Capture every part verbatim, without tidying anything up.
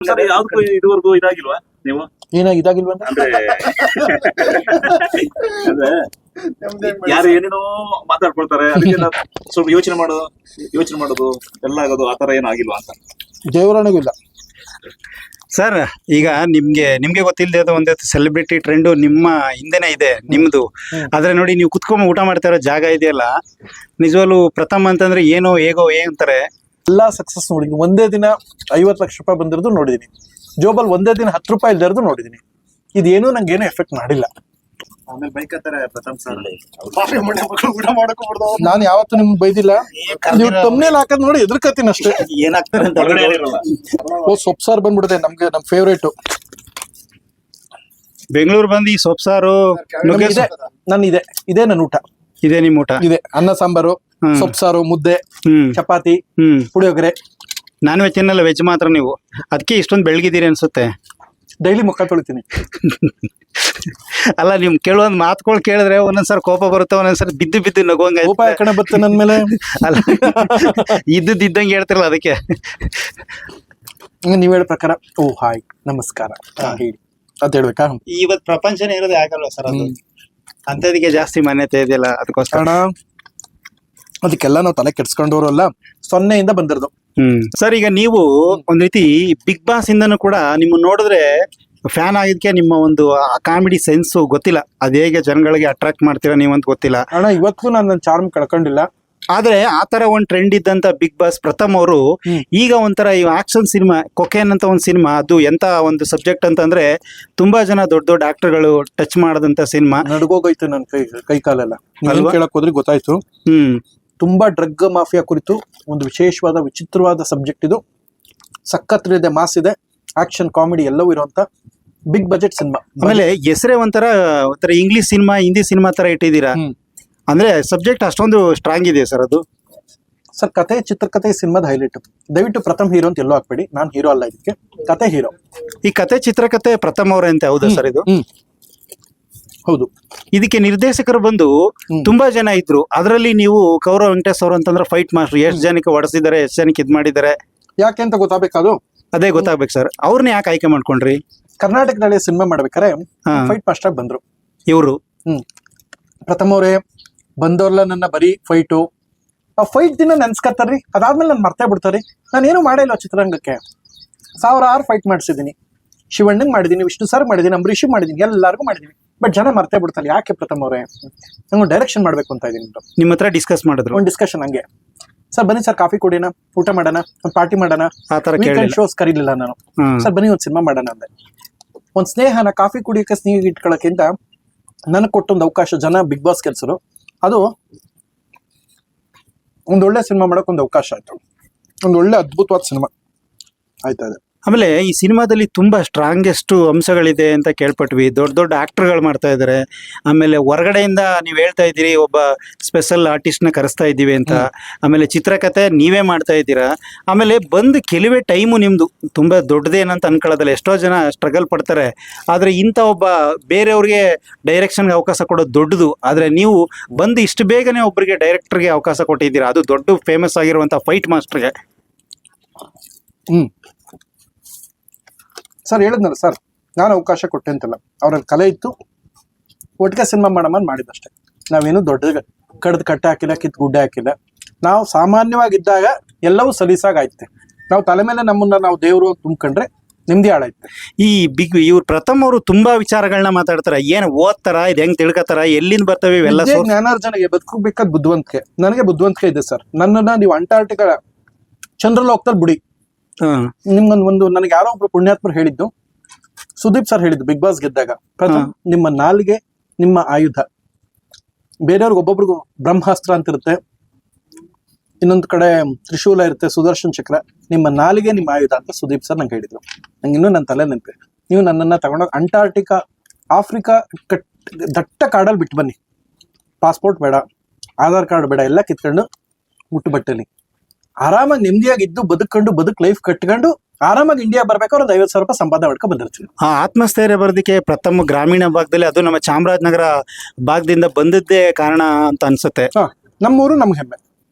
Sir ಯಾವ್ದಕ್ಕೂ ಇದುವರೆಗೂ ಇದಾಗಿಲ್ವಾ ನೀವು? ಏನ ಇದಾಗಿಲ್ವ ಅಂದ್ರೆ ಅಂದ್ರೆ ಯಾರು ಏನೇನೋ ಮಾತಾಡ್ಕೊಳ್ತಾರೆ, ಅದಕ್ಕೆಲ್ಲ ಸ್ವಲ್ಪ ಯೋಚನೆ ಮಾಡೋದು ಯೋಚನೆ ಮಾಡೋದು ಎಲ್ಲ ಆಗೋದು ಆತರ ಏನೂ ಆಗಿಲ್ವಾ ಅಂತ. ದೇವರಾಣಿಗೂ ಇಲ್ಲ ಸರ್. ಈಗ ನಿಮ್ಗೆ ನಿಮ್ಗೆ ಗೊತ್ತಿಲ್ಲದೆ ಒಂದು ಸೆಲೆಬ್ರಿಟಿ ಟ್ರೆಂಡ್ ನಿಮ್ಮ ಹಿಂದೆನೆ ಇದೆ ನಿಮ್ದು. ಆದ್ರೆ ನೋಡಿ, ನೀವು ಕುತ್ಕೊಂಡ್ ಊಟ ಮಾಡ್ತಾ ಇರೋ ಜಾಗ ಇದೆಯಲ್ಲ, ನಿಜವಾಗ್ಲು ಪ್ರಥಮ ಅಂತಂದ್ರೆ ಏನೋ ಹೇಗೋ ಏ ಅಂತಾರೆ. ಎಲ್ಲಾ ಸಕ್ಸಸ್ ನೋಡಿದೀನಿ. ಒಂದೇ ದಿನ ಐವತ್ತು ಲಕ್ಷ ರೂಪಾಯಿ ಬಂದಿರೋದು ನೋಡಿದೀನಿ. ಜೋಬಲ್ ಒಂದೇ ದಿನ ಹತ್ತು ರೂಪಾಯಿ ಇಲ್ದಿರೋದು ನೋಡಿದೀನಿ. ಇದೇನು ನಂಗೆ ಏನು ಎಫೆಕ್ಟ್ ಮಾಡಿಲ್ಲ. ಆಮೇಲೆ ಬೈಕ್ ಹತ್ತಾರೆ ಪ್ರಥಮ್ ಸರ್, ಊಟ ಮಾಡಕ್ಕೂ ಬಿಡ್ದು. ನಾನು ಯಾವತ್ತೂ ನಿಮ್ಗೆ ಬೈದಿಲ್ಲ. ನೀವು ತಮ್ಮನೇಲಿ ಹಾಕದ್ ನೋಡಿ ಎದುರ್ಕತ್ತೀನಿ ಅಷ್ಟೇ. ಏನಾಗ್ತಾರೆ ಅಂತ ಹೊರಗಡೆ ಏನಿರಲ್ಲ. ಓ ಸೊಪ್ಪು ಸಾರು ಬಂದ್ಬಿಡುತ್ತೆ ನಮ್ಗೆ, ನಮ್ ಫೇವ್ರೇಟ್. ಬೆಂಗಳೂರು ಬಂದು ಈ ಸೊಪ್ಪು ಸಾರು ಇದೆ ನನ್ ಇದೆ ಇದೇ ನನ್ನ ಊಟ. ಇದೆ ನಿಮ್ ಊಟ? ಇದೆ ಅನ್ನ ಸಾಂಬಾರು, ಸೊಪ್ಪು ಸಾರು, ಮುದ್ದೆ, ಹ್ಮ್ ಚಪಾತಿ, ಹ್ಮ್ ಪುಳಿಯೋಗರೆ. ನಾನ್ ವೆಜ್ ತಿನ್ನಲ್ಲ, ವೆಜ್ ಮಾತ್ರ ನೀವು. ಅದಕ್ಕೆ ಇಷ್ಟೊಂದು ಬೆಳಗಿದ್ದೀರಿ ಅನ್ಸುತ್ತೆ. ಡೈಲಿ ಮುಖ ತೊಳಿತೀನಿ. ಅಲ್ಲ, ನಿಮ್ ಕೆಲವೊಂದು ಮಾತುಗಳು ಕೇಳಿದ್ರೆ ಒಂದೊಂದ್ಸರಿ ಕೋಪ ಬರುತ್ತೆ, ಒಂದೊಂದ್ಸರಿ ಬಿದ್ದು ಬಿದ್ದು ನಗೋಂಗ. ಕೋಪ ಯಾಕಡೆ ಬರುತ್ತೆ ನನ್ ಮೇಲೆ? ಅಲ್ಲ, ಇದ್ದದ್ದು ಇದ್ದಂಗೆ ಹೇಳ್ತಿರಲ್ಲ, ಅದಕ್ಕೆ. ನೀವ್ ಹೇಳೋ ಪ್ರಕಾರ ಓ ಹಾಯ್ ನಮಸ್ಕಾರ ಹೇಳಿ ಅಂತ ಹೇಳ್ಬೇಕಾ? ಇವತ್ ಪ್ರಪಂಚನೇ ಇರೋದೇ ಆಗಲ್ವಾ ಸರ್? ಅದು ಅಂತದಕ್ಕೆ ಜಾಸ್ತಿ ಮಾನ್ಯತೆ ಇದೆಯಲ್ಲ, ಅದಕ್ಕೋಸ್ಕರ. ಕಾರಣ ಅದಕ್ಕೆಲ್ಲ ನಾವು ತಲೆ ಕೆಡ್ಸ್ಕೊಂಡವ್ರಲ್ಲ, ಸೊನ್ನೆಯಿಂದ ಬಂದಿರೋದು. ಹ್ಮ್ ಸರ್, ಈಗ ನೀವು ಒಂದ್ ರೀತಿ ಬಿಗ್ ಬಾಸ್ ಇಂದನೂ ಕೂಡ ನಿಮ್ಮ ನೋಡಿದ್ರೆ ಫ್ಯಾನ್ ಆಗಿದ್ಕೆ ನಿಮ್ಮ ಒಂದು ಕಾಮಿಡಿ ಸೆನ್ಸ್ ಗೊತ್ತಿಲ್ಲ, ಅದ್ ಹೇಗೆ ಜನಗಳಿಗೆ ಅಟ್ರಾಕ್ಟ್ ಮಾಡ್ತೀರಾ ನೀವಂತ ಗೊತ್ತಿಲ್ಲ. ಅಣ್ಣ ಇವತ್ತು ನಾನು ನನ್ನ ಚಾರ್ಮ್ ಕಳ್ಕೊಂಡಿಲ್ಲ. ಆದ್ರೆ ಆತರ ಒಂದ್ ಟ್ರೆಂಡ್ ಇದ್ದಂತ ಬಿಗ್ ಬಾಸ್ ಪ್ರಥಮ್ ಅವರು ಈಗ ಒಂಥರ ಈ ಆಕ್ಷನ್ ಸಿನಿಮಾ ಕೊಕೇನ್ ಅಂತ ಒಂದ್ ಸಿನಿಮಾ, ಅದು ಎಂತ ಒಂದು ಸಬ್ಜೆಕ್ಟ್ ಅಂತಂದ್ರೆ ತುಂಬಾ ಜನ ದೊಡ್ಡ ದೊಡ್ಡ ಆಕ್ಟರ್ಗಳು ಟಚ್ ಮಾಡದಂತ ಸಿನಿಮಾ. ನಡ್ಗೋಗೋಯ್ತು ನನ್ ಕೈ ಕೈ ಕಾಲೆಲ್ಲ. ಕೇಳಕ್ ಹೋದ್ರೆ ಗೊತ್ತಾಯ್ತು. ಹ್ಮ್ ತುಂಬಾ ಡ್ರಗ್ ಮಾಫಿಯಾ ಕುರಿತು ಒಂದು ವಿಶೇಷವಾದ ವಿಚಿತ್ರವಾದ ಸಬ್ಜೆಕ್ಟ್ ಇದು. ಸಖತ್ ಇದೆ, ಮಾಸ್ ಇದೆ, ಆಕ್ಷನ್ ಕಾಮಿಡಿ ಎಲ್ಲವೂ ಇರುವಂತ ಬಿಗ್ ಬಜೆಟ್ ಸಿನಿಮಾ. ಆಮೇಲೆ ಹೆಸರೇ ಒಂಥರ ಒಂಥರ ಇಂಗ್ಲಿಷ್ ಸಿನಿಮಾ, ಹಿಂದಿ ಸಿನಿಮಾ ತರ ಇಟ್ಟಿದ್ದೀರಾ. ಅಂದ್ರೆ ಸಬ್ಜೆಕ್ಟ್ ಅಷ್ಟೊಂದು ಸ್ಟ್ರಾಂಗ್ ಇದೆ ಸರ್ ಅದು. ಸರ್ ಕತೆ, ಚಿತ್ರಕಥೆ ಸಿನಿಮಾದ ಹೈಲೈಟ್. ದಯವಿಟ್ಟು ಪ್ರಥಮ್ ಹೀರೋ ಅಂತ ಎಲ್ಲೋ ಹಾಕ್ಬೇಡಿ, ನಾನ್ ಹೀರೋ ಅಲ್ಲ, ಇದಕ್ಕೆ ಕತೆ ಹೀರೋ. ಈ ಕತೆ ಚಿತ್ರಕಥೆ ಪ್ರಥಮ್ ಅವರೇ ಅಂತ ಹೌದಾ ಸರ್ ಇದು? ಹೌದು. ಇದಕ್ಕೆ ನಿರ್ದೇಶಕರು ಬಂದು ತುಂಬಾ ಜನ ಇದ್ರು. ಅದರಲ್ಲಿ ನೀವು ಕೌರವ್ ವೆಂಕಟೇಶ್ ಅವರು ಅಂತಂದ್ರೆ ಫೈಟ್ ಮಾಸ್ಟರ್, ಎಷ್ಟು ಜನಕ್ಕೆ ಹೊಡೆಸಿದ್ದಾರೆ, ಎಷ್ಟು ಜನಕ್ಕೆ ಇದ್ ಮಾಡಿದ್ದಾರೆ, ಯಾಕೆ ಅಂತ ಗೊತ್ತಾಗಬೇಕಾದು. ಅದೇ ಗೊತ್ತಾಗ್ಬೇಕು ಸರ್. ಅವ್ರನ್ನ ಯಾಕೆ ಆಯ್ಕೆ ಮಾಡ್ಕೊಂಡ್ರಿ? ಕರ್ನಾಟಕದಲ್ಲಿ ಸಿನಿಮಾ ಮಾಡ್ಬೇಕಾರೆ ಫೈಟ್ ಮಾಸ್ಟರ್ ಬಂದ್ರು ಇವರು. ಹ್ಮ್ ಪ್ರಥಮ ಅವರೇ ಬಂದವ್ರಲ್ಲ ನನ್ನ ಬರೀ ಫೈಟು. ಆ ಫೈಟ್ ದಿನ ನೆನ್ಸ್ಕತ್ತಾರ್ರಿ, ಅದಾದ್ಮೇಲೆ ನಾನು ಮರ್ತೇ ಬಿಡ್ತಾರಿ. ನಾನೇನು ಮಾಡಿಲ್ಲ ಚಿತ್ರರಂಗಕ್ಕೆ. ಸಾವಿರಾರು ಫೈಟ್ ಮಾಡಿಸಿದೀನಿ. ಶಿವಣ್ಣಂಗ್ ಮಾಡಿದೀನಿ, ವಿಷ್ಣು ಸರ್ ಮಾಡಿದೀನಿ, ಅಂಬರೀಷ್ ಮಾಡಿದೀನಿ, ಎಲ್ಲರಿಗೂ ಮಾಡಿದೀನಿ. ಬಟ್ ಜನ ಮರ್ತೇ ಬಿಡ್ತಾರೆ. ಯಾಕೆ ಪ್ರಥಮ ಅವರೇ? ನಂಗೆ ಡೈರೆಕ್ಷನ್ ಮಾಡ್ಬೇಕು ಅಂತ ಇದೀನಿ. ನಿಮ್ಮ ಹತ್ರ ಡಿಸ್ಕಸ್ ಮಾಡಿದ್ರು? ಒಂದು ಡಿಸ್ಕಷನ್ ಹಂಗೆ, ಸರ್ ಬನ್ನಿ ಸರ್ ಕಾಫಿ ಕುಡಿಯೋಣ, ಊಟ ಮಾಡೋಣ, ಒಂದು ಪಾರ್ಟಿ ಮಾಡೋಣ. ಶೋಸ್ ಕರೀಲಿಲ್ಲ ನಾನು. ಸರ್ ಬನ್ನಿ ಒಂದು ಸಿನಿಮಾ ಮಾಡೋಣ ಅಂದೆ. ಒಂದ್ ಸ್ನೇಹನ ಕಾಫಿ ಕುಡಿಯೋಕೆ ಸ್ನೇಹ ಇಟ್ಕೊಳ್ಳೋಕ್ಕಿಂತ ನನಗೆ ಕೊಟ್ಟೊಂದು ಅವಕಾಶ ಜನ ಬಿಗ್ ಬಾಸ್ ಕೆಲ್ಸರು. ಅದು ಒಂದೊಳ್ಳೆ ಸಿನಿಮಾ ಮಾಡಕ್ ಒಂದು ಅವಕಾಶ ಆಯ್ತು. ಒಂದು ಒಳ್ಳೆ ಅದ್ಭುತವಾದ ಸಿನಿಮಾ ಆಯ್ತಾ ಇದೆ. ಆಮೇಲೆ ಈ ಸಿನಿಮಾದಲ್ಲಿ ತುಂಬಾ ಸ್ಟ್ರಾಂಗೆಸ್ಟ್ ಅಂಶಗಳಿದೆ ಅಂತ ಕೇಳ್ಪಟ್ವಿ. ದೊಡ್ಡ ದೊಡ್ಡ ಆಕ್ಟರ್ಗಳು ಮಾಡ್ತಾ ಇದಾರೆ. ಆಮೇಲೆ ಹೊರಗಡೆಯಿಂದ ನೀವ್ ಹೇಳ್ತಾ ಇದ್ದೀರಿ ಒಬ್ಬ ಸ್ಪೆಷಲ್ ಆರ್ಟಿಸ್ಟ್ ನ ಕರೆಸ್ತಾ ಇದ್ದೀವಿ ಅಂತ. ಆಮೇಲೆ ಚಿತ್ರಕಥೆ ನೀವೇ ಮಾಡ್ತಾ ಇದ್ದೀರಾ. ಆಮೇಲೆ ಬಂದು ಕೆಲವೇ ಟೈಮು ನಿಮ್ದು ತುಂಬಾ ದೊಡ್ಡದೇನಂತ ಅನ್ಕೊಳ್ಳೋದಲ್ಲ. ಎಷ್ಟೋ ಜನ ಸ್ಟ್ರಗಲ್ ಪಡ್ತಾರೆ. ಆದ್ರೆ ಇಂಥ ಒಬ್ಬ ಬೇರೆಯವ್ರಿಗೆ ಡೈರೆಕ್ಷನ್ಗೆ ಅವಕಾಶ ಕೊಡೋದು ದೊಡ್ಡದು. ಆದ್ರೆ ನೀವು ಬಂದು ಇಷ್ಟು ಬೇಗನೆ ಒಬ್ಬರಿಗೆ ಡೈರೆಕ್ಟರ್ಗೆ ಅವಕಾಶ ಕೊಟ್ಟಿದ್ದೀರಾ, ಅದು ದೊಡ್ಡ ಫೇಮಸ್ ಆಗಿರುವಂತ ಫೈಟ್ ಮಾಸ್ಟರ್ಗೆ. ಹ್ಮ್ ಸರ್ ಹೇಳಿದ್ನಲ್ಲ ಸರ್, ನಾನು ಅವಕಾಶ ಕೊಟ್ಟೆ ಅಂತಲ್ಲ, ಅವ್ರಲ್ಲಿ ಕಲೆ ಇತ್ತು, ಒಟ್ಟಿಗೆ ಸಿನಿಮಾ ಮಾಡಮ್ಮ ಮಾಡಿದಷ್ಟೇ. ನಾವೇನು ದೊಡ್ಡ ಕಡ್ದು ಕಟ್ಟೆ ಹಾಕಿಲ್ಲ, ಕಿತ್ತು ಗುಡ್ಡೆ ಹಾಕಿಲ್ಲ. ನಾವು ಸಾಮಾನ್ಯವಾಗಿದ್ದಾಗ ಎಲ್ಲವೂ ಸಲೀಸಾಗೈತೆ. ನಾವು ತಲೆ ಮೇಲೆ ನಮ್ಮನ್ನ ನಾವು ದೇವರು ತುಂಬ್ಕೊಂಡ್ರೆ ನಿಮ್ದಿ ಹಾಳಾಯ್ತೆ. ಈ ಬಿಗ್ ಇವ್ರು ಪ್ರಥಮ್ ಅವರು ತುಂಬಾ ವಿಚಾರಗಳನ್ನ ಮಾತಾಡ್ತಾರ. ಏನ್ ಓದ್ತಾರ, ಇದು ಹೆಂಗ್ ತಿಳ್ಕೊತಾರ, ಎಲ್ಲಿಂದ ಬರ್ತವೆ ಇವೆಲ್ಲ? ಜ್ಞಾನಾರ್ಜನೆಗೆ ಬದುಕಬೇಕಾದ ಬುದ್ಧಿವಂತಿಕೆ. ನನಗೆ ಬುದ್ಧಿವಂತಿಕೆ ಇದೆ ಸರ್. ನನ್ನನ್ನ ನೀವು ಅಂಟಾರ್ಟಿಕಾ ಚಂದ್ರಲೋಕದಲ್ಲಿ ಬಿಡಿ. ನಿಮ್ಗೊಂದು ಒಂದು ನನಗೆ ಯಾರೋ ಒಬ್ರು ಪುಣ್ಯಾತ್ಮರು ಹೇಳಿದ್ದು, ಸುದೀಪ್ ಸರ್ ಹೇಳಿದ್ದು ಬಿಗ್ ಬಾಸ್ ಗೆದ್ದಾಗ, ಪ್ರಥಮ್ ನಿಮ್ಮ ನಾಲಿಗೆ ನಿಮ್ಮ ಆಯುಧ. ಬೇರೆಯವ್ರಿಗೆ ಒಬ್ಬೊಬ್ರಿಗೂ ಬ್ರಹ್ಮಾಸ್ತ್ರ ಅಂತ ಇರುತ್ತೆ, ಇನ್ನೊಂದು ಕಡೆ ತ್ರಿಶೂಲ ಇರುತ್ತೆ, ಸುದರ್ಶನ್ ಚಕ್ರ. ನಿಮ್ಮ ನಾಲಿಗೆ ನಿಮ್ಮ ಆಯುಧ ಅಂತ ಸುದೀಪ್ ಸರ್ ನಂಗೆ ಹೇಳಿದ್ರು. ನಂಗೆ ಇನ್ನೂ ನನ್ನ ತಲೆ ನೆನಪೆ. ನೀವು ನನ್ನನ್ನ ತಗೊಂಡೋಗಿ ಅಂಟಾರ್ಟಿಕಾ, ಆಫ್ರಿಕಾ ಕಟ್ ದಟ್ಟ ಕಾಡಲ್ಲಿ ಬಿಟ್ಟು ಬನ್ನಿ. ಪಾಸ್ಪೋರ್ಟ್ ಬೇಡ, ಆಧಾರ್ ಕಾರ್ಡ್ ಬೇಡ, ಎಲ್ಲ ಕಿತ್ಕೊಂಡು ಮುಟ್ಟು ಬಟ್ಟೆಲಿ ಆರಾಮಾಗಿ ನೆಮ್ಮದಿಯಾಗಿದ್ದು ಬದುಕೊಂಡು ಬದುಕ್ ಲೈಫ್ ಕಟ್ಕೊಂಡು ಆರಾಮಾಗಿ ಇಂಡಿಯಾ ಬರ್ಬೇಕಾದ್ರೆ ಒಂದು ಐವತ್ತು ಸಾವಿರ ರೂಪಾಯಿ ಸಂಪಾದನೆ ಮಾಡ್ಕೊಂಡು ಬಂದಿರ್ತೀವಿ. ಆ ಆತ್ಮಸ್ಥೈರ್ಯ ಬರೋದಕ್ಕೆ ಪ್ರಥಮ ಗ್ರಾಮೀಣ ಭಾಗದಲ್ಲಿ, ಅದು ನಮ್ಮ ಚಾಮರಾಜನಗರ ಭಾಗದಿಂದ ಬಂದದ್ದೇ ಕಾರಣ ಅಂತ ಅನ್ಸುತ್ತೆ. ಹಾ, ನಮ್ಮೂರು ನಮ್ಗೆ ಹೆಮ್ಮೆ.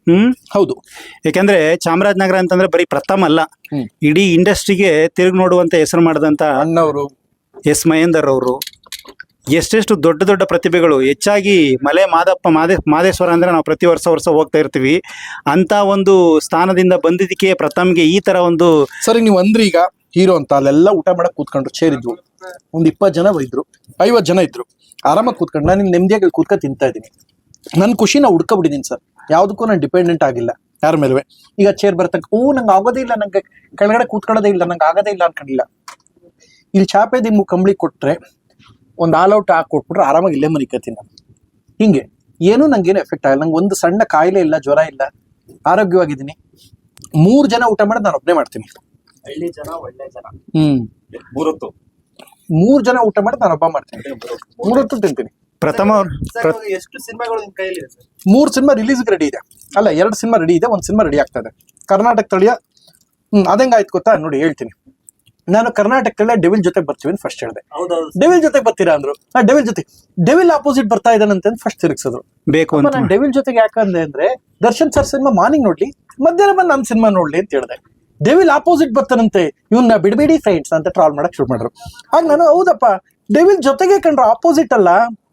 ಹ್ಮ್ ಹೌದು. ಯಾಕಂದ್ರೆ ಚಾಮರಾಜನಗರ ಅಂತಂದ್ರೆ ಬರೀ ಪ್ರಥಮ ಅಲ್ಲ, ಹ್ಮ್. ಇಡೀ ಇಂಡಸ್ಟ್ರಿಗೆ ತಿರುಗಿ ನೋಡುವಂತ ಹೆಸರು ಮಾಡಿದಂತ ಅಣ್ಣವರು, ಎಸ್ ಮಹೇಂದರ್ ಅವರು, ಎಷ್ಟೆಷ್ಟು ದೊಡ್ಡ ದೊಡ್ಡ ಪ್ರತಿಭೆಗಳು, ಹೆಚ್ಚಾಗಿ ಮಲೆ ಮಾದಪ್ಪ ಮಾದೇ ಮಾದೇಶ್ವರ ಅಂದ್ರೆ ನಾವು ಪ್ರತಿ ವರ್ಷ ವರ್ಷ ಹೋಗ್ತಾ ಇರ್ತೀವಿ, ಅಂತ ಒಂದು ಸ್ಥಾನದಿಂದ ಬಂದಿದ್ದಕ್ಕೆ ಪ್ರಥಮ್ಗೆ ಈ ತರ ಒಂದು. ಸರಿ ನೀವು ಅಂದ್ರಿ ಈಗ ಹೀರೋ ಅಂತ, ಅಲ್ಲೆಲ್ಲ ಊಟ ಮಾಡಕ್ ಕೂತ್ಕೊಂಡ್ರು, ಚೇರ್ ಇದ್ವು, ಒಂದ್ ಇಪ್ಪತ್ತು ಜನ ಇದ್ರು, ಐವತ್ ಜನ ಇದ್ರು, ಆರಾಮಾಗಿ ಕೂತ್ಕೊಂಡು ನಾನು ನಿಮ್ ನೆಮ್ಮದಿಯಾಗಿ ಕೂತ್ಕೊ ತಿಂತಾ ಇದ್ದೀನಿ. ನನ್ ಖುಷಿ ನಾ ಹುಡ್ಕೊಬಿಟ್ಟಿದ್ದೀನಿ ಸರ್, ಯಾವ್ದಕ್ಕೂ ನಾನು ಡಿಪೆಂಡೆಂಟ್ ಆಗಿಲ್ಲ ಯಾರ ಮೇಲುವೆ. ಈಗ ಚೇರ್ ಬರ್ತಕ್ಕ ಓ ನಂಗೆ ಆಗೋದೇ ಇಲ್ಲ, ನಂಗೆ ಕೆಳಗಡೆ ಕೂತ್ಕೊಳ್ಳೋದೇ ಇಲ್ಲ, ನಂಗೆ ಆಗೋದೇ ಇಲ್ಲ ಅನ್ಕೊಂಡಿಲ್ಲ. ಇಲ್ಲಿ ಚಾಪೆ ದಿಮ್ಮು ಕಂಬಳಿ ಕೊಟ್ರೆ ಒಂದು ಆಲ್ ಔಟ್ ಹಾಕಿ ಕೊಟ್ಬಿಟ್ರೆ ಆರಾಮಾಗಿ ಇಲ್ಲೇ ಮನಿಕತ್ತೀನಿ ನಾನು. ಹಿಂಗೆ ಏನೂ ನಂಗೇನು ಎಫೆಕ್ಟ್ ಆಗಲ್ಲ. ನಂಗೆ ಒಂದು ಸಣ್ಣ ಕಾಯಿಲೆ ಇಲ್ಲ, ಜ್ವರ ಇಲ್ಲ, ಆರೋಗ್ಯವಾಗಿದ್ದೀನಿ. ಮೂರು ಜನ ಊಟ ಮಾಡೋದು ನಾನು ಒಬ್ಬನೇ ಮಾಡ್ತೀನಿ. ಹಳ್ಳಿ ಜನ ಒಳ್ಳೆ ಜನ. ಹ್ಮ್ ಮೂರೊತ್ತು ಮೂರ್ ಜನ ಊಟ ಮಾಡೋದು ನಾನು ಒಬ್ಬ ಮಾಡ್ತೀನಿ, ಮೂರೊತ್ತು ತಿಂತೀನಿ. ಪ್ರಥಮ ಅವ್ರು ಪ್ರ- ಎಷ್ಟು ಸಿನಿಮಾಗಳು ನಿಮ್ ಕೈಯಲ್ಲಿ ಇದೆ ಸರ್? ಮೂರ್ ಸಿನಿಮಾ ರಿಲೀಸ್ಗೆ ರೆಡಿ ಇದೆ, ಅಲ್ಲ ಎರಡು ಸಿನಿಮಾ ರೆಡಿ ಇದೆ, ಒಂದ್ ಸಿನಿಮಾ ರೆಡಿ ಆಗ್ತಾ ಇದೆ ಕರ್ನಾಟಕ ತಳಿಯ. ಹ್ಮ್ ಅದಂಗಾಯ್ತು ಗೊತ್ತಾ ನೋಡಿ ಹೇಳ್ತೀನಿ. ನಾನು ಕರ್ನಾಟಕದಲ್ಲೇ ಡೆವಿಲ್ ಜೊತೆ ಬರ್ತೀವಿ ಅಂತ ಫಸ್ಟ್ ಹೇಳಿದೆ. ಹೌದೌದು. ಡೆವಿಲ್ ಜೊತೆ ಬರ್ತೀರಾ ಅಂದ್ರು. ಆ ಡೆವಿಲ್ ಜೊತೆ ಡೆವಿಲ್ ಆಪೋಸಿಟ್ ಬರ್ತಾ ಇದ್ದಾನಂತ ಫಸ್ಟ್ ತಿರುಗಿಸಿದ್ರು. ಬೇಕು ಅಂತ ನಾನು ಡೆವಿಲ್ ಜೊತೆಗೆ ಯಾಕಂದೆ ಅಂದ್ರೆ ದರ್ಶನ್ ಸರ್ ಸಿನಿಮಾ ಮಾರ್ನಿಂಗ್ ನೋಡ್ಲಿ, ಮಧ್ಯಾಹ್ನ ಬಂದು ನನ್ನ ಸಿನಿಮಾ ನೋಡ್ಲಿ ಅಂತ ಹೇಳಿದೆ. ಡೆವಿಲ್ ಆಪೋಸಿಟ್ ಬರ್ತಾನಂತೆ, ಇವನ್ನ ಬಿಡಬೇಡಿ ಫ್ರೆಂಡ್ಸ್ ಅಂತ ಟ್ರಾಲ್ ಮಾಡಕ್ ಶುರು ಮಾಡ್ರು. ಆಗ ನಾನು ಹೌದಪ್ಪ ಡೆವಿಲ್ ಜೊತೆಗೆ ಕಂಡ್ರು, ಆಪೋಸಿಟ್ ಅಲ್ಲ.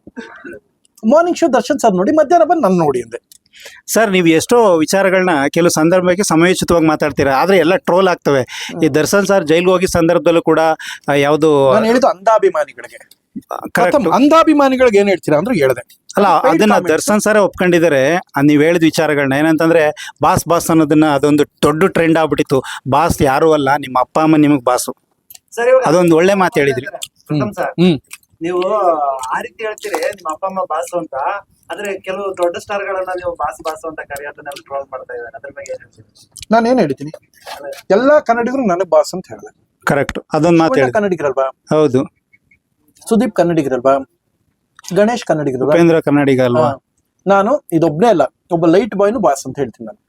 ಮಾರ್ನಿಂಗ್ ಶೋ ದರ್ಶನ್ ಸರ್ ನೋಡಿ, ಮಧ್ಯಾಹ್ನ ಬಂದು ನಾನು ನೋಡಿ ಅಂದೆ. ಸರ್ ನೀವು ಎಷ್ಟೋ ವಿಚಾರಗಳನ್ನ ಕೆಲವು ಸಂದರ್ಭಕ್ಕೆ ಸಮಯೋಚಿತವಾಗಿ ಮಾತಾಡ್ತೀರಾ, ಆದ್ರೆ ಎಲ್ಲ ಟ್ರೋಲ್ ಆಗ್ತವೆ. ಈ ದರ್ಶನ್ ಸರ್ ಜೈಲ್ಗೆ ಹೋಗಿ ಸಂದರ್ಭದಲ್ಲೂ ಕೂಡ ಆ, ಯಾವ್ದು ನಾನು ಹೇಳಿದ್ದು ಅಂಧಾಭಿಮಾನಿಗಳಿಗೆ, ಕರೆಕ್ಟ್ ಪ್ರಥಮ ಅಂಧಾಭಿಮಾನಿಗಳಿಗೆ ಏನ್ ಹೇಳ್ತೀರಾ ಅಂದ್ರೆ ಹೇಳ್ದೆ. ಅಲ್ಲ, Paid ಅದನ್ನ comments. ದರ್ಶನ್ ಸರೇ ಒಪ್ಕೊಂಡಿದ್ದಾರೆ. ಅದ್ ನೀವ್ ಹೇಳಿದ ವಿಚಾರಗಳನ್ನ ಏನಂತಂದ್ರೆ ಬಾಸ್ ಬಾಸ್ ಅನ್ನೋದನ್ನ ಅದೊಂದು ದೊಡ್ಡ ಟ್ರೆಂಡ್ ಆಗ್ಬಿಟ್ಟಿತ್ತು. ಬಾಸ್ ಯಾರು ಅಲ್ಲ, ನಿಮ್ಮ ಅಪ್ಪ ಅಮ್ಮ ನಿಮಗ್ ಬಾಸು. ಸರ್ ಇವಾಗ ಅದೊಂದು ಒಳ್ಳೆ ಮಾತು ಹೇಳಿದ್ರಿ. ಪ್ರಥಮ್ ಸರ್, ಹ್ಮ್ ನೀವು ಆ ರೀತಿ ಹೇಳ್ತೀರಿ ನಿಮ್ಮ ಅಪ್ಪ ಅಮ್ಮ ಬಾಸು ಅಂತ, ಆದ್ರೆ ಕೆಲವು ದೊಡ್ಡ ಸ್ಟಾರ್ ಗಳನ್ನ ನೀವು ಬಾಸ್ ಬಾಸು ಅಂತ ಕರೆಯೋದನ್ನೆಲ್ಲ ಟ್ರೋಲ್ ಮಾಡ್ತಾ ಇದ್ದಾರೆ. ಅದ್ರ ಬಗ್ಗೆ ಏನ್ ಹೇಳ್ತೀರಿ? ನಾನು ಏನ್ ಹೇಳ್ತೀನಿ, ಎಲ್ಲಾ ಕನ್ನಡಿಗರು ನನಗ್ ಬಾಸ್ ಅಂತ ಹೇಳಿದೆ. ಕರೆಕ್ಟ್, ಅದೊಂದು ಮಾತು ಶಿವಣ್ಣ ಹೇಳಿದ್ರಿ. ಕನ್ನಡಿಗರಲ್ವಾ, ಹೌದು, ಸುದೀಪ್ ಕನ್ನಡಿಗರಲ್ವಾ, ಗಣೇಶ್ ಕನ್ನಡಿಗರಲ್ವಾ, ಉಪೇಂದ್ರ ಕನ್ನಡಿಗ ಅಲ್ವಾ? ಹಾ. ನಾನು ಇದೊಬ್ನೇ ಅಲ್ಲ, ಒಬ್ಬ ಲೈಟ್ ಬಾಯ್ನು ಬಾಸ್ ಅಂತ ಹೇಳ್ತೀನಿ ನಾನು.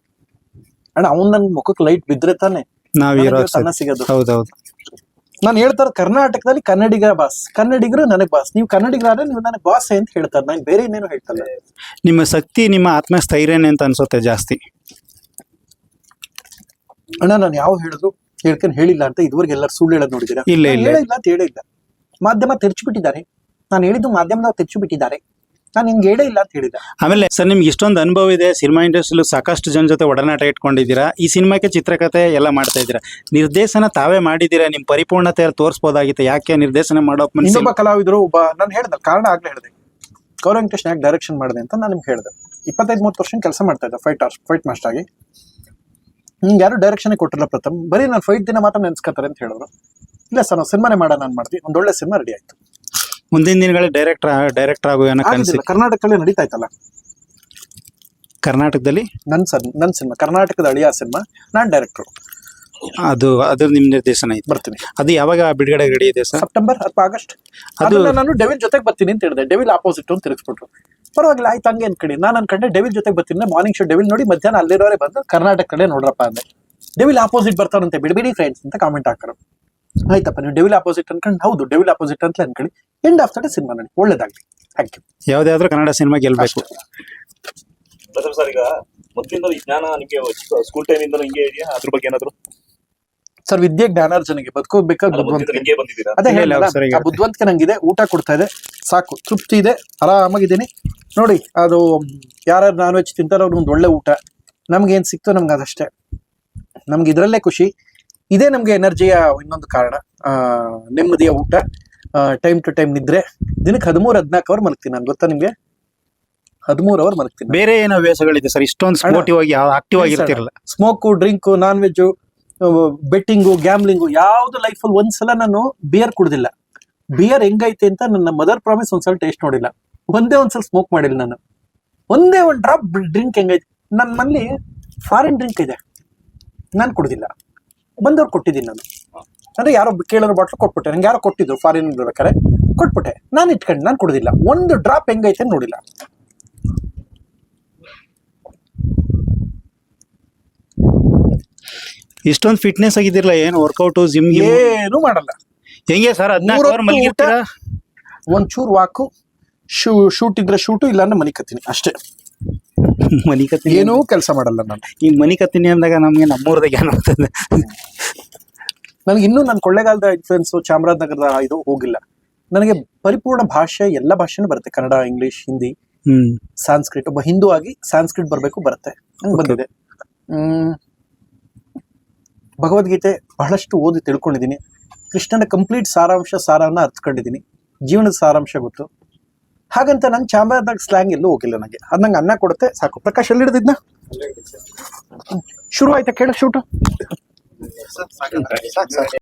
ಅಣ್ಣ ಅವ್ನ್ ನನ್ ಮುಖಕ್ಕೆ ಲೈಟ್ ಬಿದ್ರೆ ತಾನೆ ನಾವ್ ನನಗೆ ಇರೋ ಇವತ್ತು ಅನ್ನ ಸಿಗೋದು. ಹೌದೌದು. ನಾನು ಹೇಳ್ತಾರೆ ಕರ್ನಾಟಕದಲ್ಲಿ ಕನ್ನಡಿಗರ ಬಾಸ್, ಕನ್ನಡಿಗರು ನನಗ್ ಬಾಸ್, ನೀವು ಕನ್ನಡಿಗರಾದ್ರೆ ನೀವು ನನಗ್ ಬಾಸ್ ಅಂತ ಹೇಳ್ತಾರೆ. ನಾನು ಬೇರೆ ಇನ್ನೇನು ಹೇಳ್ತಲ್ಲ. ನಿಮ್ಮ ಶಕ್ತಿ, ನಿಮ್ಮ ಆತ್ಮಸ್ಥೈರ್ಯನೇ ಅಂತ ಅನ್ಸುತ್ತೆ ಜಾಸ್ತಿ. ಅಣ್ಣ ನಾನು ಯಾವ ಹೇಳುದು ಹೇಳ್ಕೊಂಡು ಹೇಳಿಲ್ಲ ಅಂತ ಇದುವರೆಗೆ ಎಲ್ಲರೂ ಸುಳ್ಳು ಹೇಳೋದು ನೋಡಿದ್ದೀರಾ? ಇಲ್ಲ, ನಾನ್ ಇಲ್ಲ. ಹೇಳಿಲ್ಲ ಅಂತ ಹೇಳೇ ಇಲ್ಲ. ಮಾಧ್ಯಮ ತೆರ್ಚಿಬಿಟ್ಟಿದ್ದಾರೆ. ನಾನು ಹೇಳಿದ್ದು ಮಾಧ್ಯಮದವ್ರು ತೆರ್ಚಿಬಿಟ್ಟಿದ್ದಾರೆ. ನಾನು ಹಿಂಗೆ ಹೇಳೇ ಇಲ್ಲ ಅಂತ ಹೇಳಿಲ್ಲ. ಆಮೇಲೆ ಸರ್ ನಿಮ್ಗೆ ಇಷ್ಟೊಂದು ಅನುಭವ ಇದೆ, ಸಿನಿಮಾ ಇಂಡಸ್ಟ್ರಿಲೂ ಸಾಕಷ್ಟು ಜನ ಜೊತೆ ಒಡನಾಟ ಇಟ್ಕೊಂಡಿದ್ದೀರಾ, ಈ ಸಿನಿಮಾಕ್ಕೆ ಚಿತ್ರಕಥೆ ಎಲ್ಲ ಮಾಡ್ತಾ ಇದ್ದೀರಾ, ನಿರ್ದೇಶನ ತಾವೇ ಮಾಡಿದ್ದೀರಾ, ನಿಮ್ ಪರಿಪೂರ್ಣತೆ ತೋರಿಸಬಹುದಾಗಿತ್ತು, ಯಾಕೆ ನಿರ್ದೇಶನ ಮಾಡೋ ಮನಸ್ಸು? ಇನ್ನೊಬ್ಬ ಕಲಾವಿದರು ಒಬ್ಬ ನಾನು ಹೇಳ್ದೆ ಕಾರಣ ಆಗ್ಲೇ ಹೇಳಿದೆ, ಗೌರವ್ ವೆಂಕಟೇಶ್ ಯಾಕೆ ಡೈರೆಕ್ಷನ್ ಮಾಡಿದೆ ಅಂತ ನಾನು ನಿಮ್ಗೆ ಹೇಳಿದೆ. ಇಪ್ಪತ್ತೈದು ಮೂವತ್ತು ವರ್ಷ ಕೆಲಸ ಮಾಡ್ತಾ ಇದ್ದೆ ಫೈಟ್ ಫೈಟ್ ಮಾಸ್ಟರ್ ಆಗಿ. ನಿಮ್ಗೆ ಯಾರು ಡೈರೆಕ್ಷನ್ ಕೊಟ್ಟಿಲ್ಲ ಪ್ರಥಮ್, ಬರೀ ನಾನು ಫೈಟ್ ದಿನ ಮಾತ್ರ ನೆನ್ಸ್ಕೊತಾರೆ ಅಂತ ಹೇಳಿದ್ರು. ಇಲ್ಲ ಸರ್ ನಾವು ಸಿನಿಮಾನೇ ಮಾಡೋಣ ನಾನು ಮಾಡ್ತೀವಿ, ಒಂದು ಒಳ್ಳೆ ಸಿನಿಮಾ ರೆಡಿ ಆಯ್ತು. ಮುಂದಿನ ದಿನಗಳಲ್ಲಿ ಡೈರೆಕ್ಟರ್ ಡೈರೆಕ್ಟರ್ ಆಗೋ ಏನೋ ಕನಸಿ ಆಗಿದ್ದಿಲ್ಲ, ಕರ್ನಾಟಕದಲ್ಲಿ ನಡೀತಾ ಇತ್ತಲ್ಲ ಕರ್ನಾಟಕದಲ್ಲಿ. ನನ್ ಸರ್ ನನ್ ಸಿನಿಮಾ ಕರ್ನಾಟಕದ ಅಳಿಯ ಸಿನಿಮಾ, ನಾನ್ ಡೈರೆಕ್ಟರ್ ಅದು ಅದು ನಿಮ್ ನಿರ್ದೇಶನ ಐತೆ. ಬರ್ತೀನಿ. ಅದು ಯಾವಾಗ ಬಿಡುಗಡೆ ರೆಡಿ ಇದೆ ಸರ್? ಸೆಪ್ಟೆಂಬರ್ ಅಥವಾ ಆಗಸ್ಟ್. ಅದು ಅದು ನಾನು ಡೆವಿಲ್ ಜೊತೆಗೆ ಬರ್ತೀನಿ ಅಂತ ಹೇಳಿದೆ, ಡೆವಿಲ್ ಆಪೋಸಿಟ್ ಅಂತ ತಿರುಗಿಸ್ಬಿಟ್ರು. ಪರವಾಗಿಲ್ಲ ಆಯ್ತು ಹಂಗೆ ಅನ್ಕಡಿ. ನಾನು ಅನ್ಕೊಂಡೆ ಡೆವಿಲ್ ಜೊತೆಗೆ ಬರ್ತೀನಿ, ಮಾರ್ನಿಂಗ್ ಶೋ ಡೆವಿಲ್ ನೋಡಿ ಮಧ್ಯಾಹ್ನ ಅಲ್ಲಿರೋರೆ ಬಂದು ಕರ್ನಾಟಕ ಕಡೆ ನೋಡ್ರಪ್ಪ ಅಂದೆ. ಡೆವಿಲ್ ಆಪೋಸಿಟ್ ಬರ್ತಾರಂತೆ, ಬಿಡಬೇಡಿ ಫ್ರೆಂಡ್ಸ್ ಅಂತ ಕಾಮೆಂಟ್ ಹಾಕರು. ಆಯ್ತಪ್ಪ ನೀವು ಡೆವಿಲ್ ಆಪೋಸಿಟ್ ಅನ್ಕೊಂಡು, ಹೌದು ಡೆವಿಲ್ ಆಪೋಸಿಟ್ ಅಂತ ಅನ್ಕೊಳ್ಳಿ. End of the day cinema ನೋಡಿ, ಒಳ್ಳೇದಾಗ್ಲಿ. Thank you. ಯಾವ್ದಾದ್ರು ಕನ್ನಡ ಸಿನಿಮಾ ಗೆಲ್ಬೇಕು. ಪ್ರಥಮ್ ಸರ್, ಈಗ ಮೊದಲಿಂದ ಈ ಜ್ಞಾನ ನಿಮಗೆ ಸ್ಕೂಲ್ ಟೈಮ್ ಇಂದ ಹಿಂಗೆ ಇದೆಯಾ? ಅದ್ರ ಬಗ್ಗೆ ಏನಾದ್ರು ಸರ್ ವಿದ್ಯೆ ಜ್ಞಾನಾರ್ಜನೆಗೆ ಬದುಕೋಬೇಕಾದ ಮೊದಲಿಂದ ಬುದ್ಧಿವಂತಿಕೆ. ಹಿಂಗೆ ಬಂದಿದ್ದೀರಾ? ಅದೇ ಇಲ್ಲ, ಹೇಳಿಲ್ಲ, ಸರಿ, ಆ ಬುದ್ಧಿವಂತಿಕೆ ನಂಗಿದೆ. ಊಟ ಕೊಡ್ತಾ ಇದೆ, ಸಾಕು, ತೃಪ್ತಿ ಇದೆ, ಆರಾಮಾಗಿದ್ದೀನಿ. ನೋಡಿ ಅದು ಯಾರು ನಾನ್ ವೆಜ್ ತಿಂತಾರೋ ಅವ್ರಿಗೆ ಒಂದು ಒಳ್ಳೆ ಊಟ, ನಮ್ಗೆ ಏನ್ ಸಿಕ್ತೋ ನಮ್ಗೆ ಅದಷ್ಟೇ. ನಮ್ಗೆ ಇದರಲ್ಲೇ ಖುಷಿ. ಇದೇ ನಮ್ಗೆ ಎನರ್ಜಿಯ ಇನ್ನೊಂದು ಕಾರಣ. ಆ ನೆಮ್ಮದಿಯ ಊಟ, ಟೈಮ್ ಟು ಟೈಮ್ ನಿದ್ರೆ. ದಿನಕ್ಕೆ ಹದಿಮೂರು ಹದಿನಾಲ್ಕು ಅವರ್ ಮಲಗ್ತೀನಿ ನಾನು, ಗೊತ್ತಾ ನಿಮ್ಗೆ? ಹದಿಮೂರು ಅವರ್ ಮಲಗ್ತೀನಿ. ಬೇರೆ ಏನೋ ಹವ್ಯಾಸಗಳಿದೆ ಸರ್, ಇಷ್ಟೊಂದು ಸ್ಪೋರ್ಟಿವ್ ಆಗಿ ಆಕ್ಟಿವ್ ಆಗಿರ್ತಿರಲ್ಲ? Smoke, drink, non veg, betting, gambling ಯಾವ್ದು ಲೈಫಲ್ಲಿ ಒಂದ್ಸಲ ನಾನು ಬಿಯರ್ ಕುಡ್ದಿಲ್ಲ. ಬಿಯರ್ ಹೆಂಗೈತೆ ಅಂತ ನನ್ನ ಮದರ್ ಪ್ರಾಮಿಸ್ ಒಂದ್ಸಲ ಟೇಸ್ಟ್ ನೋಡಿಲ್ಲ. ಒಂದೇ ಒಂದ್ಸಲ ಸ್ಮೋಕ್ ಮಾಡಿಲ್ಲ ನಾನು. ಒಂದೇ ಒಂದು ಡ್ರಾಪ್ ಡ್ರಿಂಕ್ ಹೆಂಗೈತೆ. ನನ್ನ ಮನೇಲಿ ಫಾರಿನ್ ಡ್ರಿಂಕ್ ಇದೆ, ನಾನು ಕುಡ್ದಿಲ್ಲ. ಬಂದವ್ರು ಕೊಟ್ಟಿದ್ದೀನಿ ನಾನು. ಅಂದ್ರೆ ಯಾರೋ ಕೇಳೋರು ಬಾಟ್ಲು ಕೊಟ್ಬಿಟ್ಟೆ, ನಂಗೆ ಯಾರೋ ಕೊಟ್ಟಿದ್ರು ಫಾರಿನ್ ಇರ್ಬೇಕಾರೆ, ಕೊಟ್ಬಿಟ್ಟೆ. ನಾನು ಇಟ್ಕೊಂಡು ನಾನು ಕುಡ್ದಿಲ್ಲ. ಒಂದು ಡ್ರಾಪ್ ಹೆಂಗೈತೆ ನೋಡಿಲ್ಲ. ಇಷ್ಟೊಂದು ಫಿಟ್ನೆಸ್ ಆಗಿದಿರಲ್ಲ, ಏನು ವರ್ಕೌಟ್ ಜಿಮ್ ಏನು ಮಾಡಲ್ಲ. ಹೆಂಗೆ ಸರ್? ಹದಿನಾಲ್ಕು ಅವರ್ ಮಲಗಿರ್ತೀರಾ? ಒಂಚೂರು ವಾಕು, ಶೂ ಶೂಟ್ ಇದ್ರೆ ಶೂಟು, ಇಲ್ಲ ಅಂದ್ರೆ ಮನಿಕತ್ತೀನಿ ಅಷ್ಟೇ. ಮನಿ ಕತ್ತಿನಿ ಏನೂ ಕೆಲಸ ಮಾಡಲ್ಲ ನಾನು. ಈ ಮನಿ ಕತ್ತಿನಿ ಅಂದಾಗ ನಮ್ಗೆ ನಮ್ಮೂರ್ದಾಗ ಏನ್ ಆಗ್ತದೆ. ನನಗೆ ಇನ್ನೂ ನನ್ನ ಕೊಳ್ಳೇಗಾಲದ ಇನ್ಫ್ಲುಯೆನ್ಸ್ ಚಾಮರಾಜನಗರದ ಇದು ಹೋಗಿಲ್ಲ. ನನಗೆ ಪರಿಪೂರ್ಣ ಭಾಷೆ ಎಲ್ಲ ಭಾಷೆನೂ ಬರುತ್ತೆ, ಕನ್ನಡ, ಇಂಗ್ಲಿಷ್, ಹಿಂದಿ, ಹ್ಮ್ ಸಾಂಸ್ಕ್ರಿಟ್. ಒಬ್ಬ ಹಿಂದೂ ಆಗಿ ಸಾಂಸ್ಕ್ರಿಟ್ ಬರಬೇಕು, ಬರುತ್ತೆ, ಹಂಗೆ ಬಂದಿದೆ. ಹ್ಮ್ ಭಗವದ್ಗೀತೆ ಬಹಳಷ್ಟು ಓದಿ ತಿಳ್ಕೊಂಡಿದ್ದೀನಿ. ಕೃಷ್ಣನ ಕಂಪ್ಲೀಟ್ ಸಾರಾಂಶ ಸಾರವನ್ನ ಅರ್ಥಕೊಂಡಿದ್ದೀನಿ. ಜೀವನದ ಸಾರಾಂಶ ಗೊತ್ತು. ಹಾಗಂತ ನಂಗೆ ಚಾಮರಾಜನಗರ ಸ್ಲ್ಯಾಂಗ್ ಎಲ್ಲೂ ಹೋಗಿಲ್ಲ. ನನಗೆ ಅದು ನಂಗೆ ಅನ್ನ ಕೊಡುತ್ತೆ ಸಾಕು. ಪ್ರಕಾಶ್ ಎಲ್ಲಿ ಹಿಡಿದಿದ್ನ ಶುರು ಆಯ್ತಾ ಕೇಳ ಶೂಟು. ಸಾಕು, ಸಾಕು.